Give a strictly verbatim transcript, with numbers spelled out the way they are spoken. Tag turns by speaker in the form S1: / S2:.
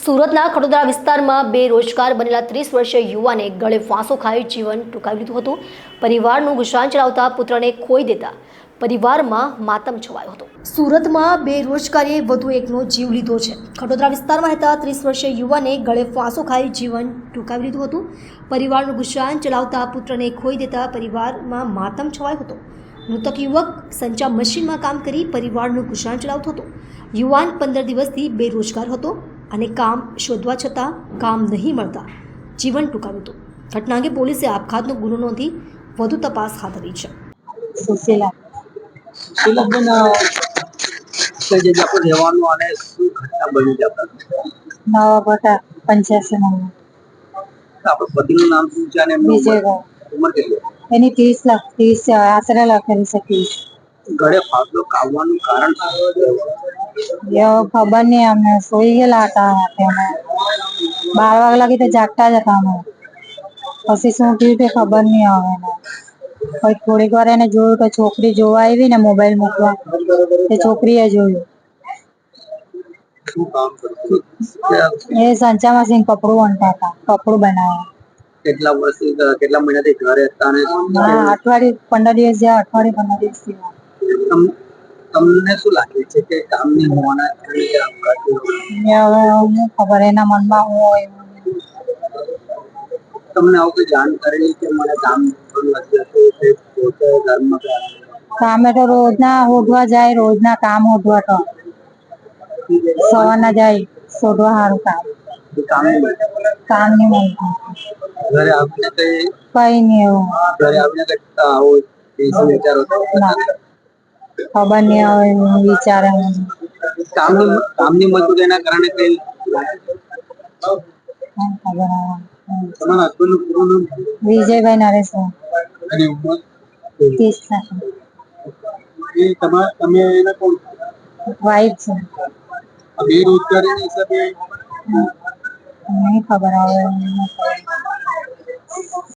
S1: સુરતના ખડોદરા વિસ્તારમાં બેરોજગાર બનેલા ત્રીસ વર્ષીય યુવાને ગળે ફાંસો ખાઈ જીવન ટૂંકાવી લીધું હતું. પરિવારનું ગુજરાન ચલાવતા પુત્રને ખોઈ દેતા પરિવારમાં માતમ છવાયો હતો. સુરતમાં બેરોજગારીએ વધુ એકનો જીવ લીધો છે. ખડોદરા વિસ્તારમાં રહેતા ત્રીસ વર્ષીય યુવાને ગળે ફાંસો ખાઈ જીવન ટૂંકાવી લીધું હતું. પરિવારનું ગુજરાન ચલાવતા પુત્રને ખોઈ દેતા પરિવારમાં માતમ છવાયો હતો. મૃતક યુવક સંચા મશીનમાં કામ કરી પરિવારનું ગુજરાન ચલાવતો હતો. યુવાન પંદર દિવસથી બેરોજગાર હતો અને કામ શોધવા છતાં કામ નહીં મળતા જીવન ટૂંકાવ્યું હતું. ઘટના અંગે પોલીસે આપઘાતનો ગુનો નોંધી વધુ તપાસ હાથ ધરી છે.
S2: સુશીલા
S3: સુશીલાબેન, કઈ જગ્યા પર રહેવાનું અને શું ઘટના બની છે?
S2: નવા બટા પંચ્યાસી નંબર
S3: આપણા પતિનું નામ શું છે અને એમની ઉંમર
S2: વિજયભાઈ.
S3: ઉંમર કેટલી?
S2: એની ત્રીસ લાખ ત્રીસ છે, આશરે લખેલી છે ત્રીસ.
S3: ગળે ફાંસો ખાવાનું કારણ શું?
S2: એવો ખબર નહીં, અમને સોઈ ગયેલા હતા રાતે. અમે બાર વાગ્યા લાગી તો જાગતા જ હતા અમે. પછી શું થયું તે ખબર નહીં આવે ને. પછી થોડીક વાર એને જોયું તો છોકરી જોવા આવી ને મોબાઈલ મૂકવા, તે છોકરીએ જોયું.
S3: શું કામ કરતું?
S2: એ સંચા મશીન કપડું વણતા હતા, કપડું બનાવે.
S3: કેટલા વર્ષથી કેટલા મહિનાથી ઘરે હતા અને
S2: હા, અઠવાડિયે પંદર દિવસ જ્યાં અઠવાડિયે પંદર દિવસ થયા.
S3: તમ- તમને શું લાગે છે કે કામ નહીં હોવાના કારણે કે આપઘાત થયો?
S2: એ હવે હું ખબર એના મનમાં હું હોય એવું નહીં.
S3: તમને આવું કોઈ જાણકારી નહીં કે મને કામ પણ નથી હતું કે પોતે ઘરમાં ગયા?
S2: કામે તો રોજના હોધવા જાય, રોજના કામ હોધવા તો સવારના જાય શોધવા સારું કામ.
S3: એ કામ નહીં મળે.
S2: કામ નહીં મળતું,
S3: ઘરે આવીને કઈ
S2: કઈ નહીં એવું.
S3: ઘરે આવીને કઈ આવો શું વિચારો છો?
S2: ના, ખબર નહીં હવે હું વિચારે હું.
S3: કામની કામની મજૂરીના કારણે કઈ
S2: કેમ ખબર હવે.
S3: તમારા હસબન્ડનું પૂરું નામ
S2: વિજયભાઈ નરેશભાઈ
S3: અને ઉંમર?
S2: ત્રીસ લાખ
S3: એ તમારા તમે એના કોણ?
S2: વાઈફ છે.
S3: આ બેરોજગારીના હિસાબે
S2: નહીં ખબર હવે.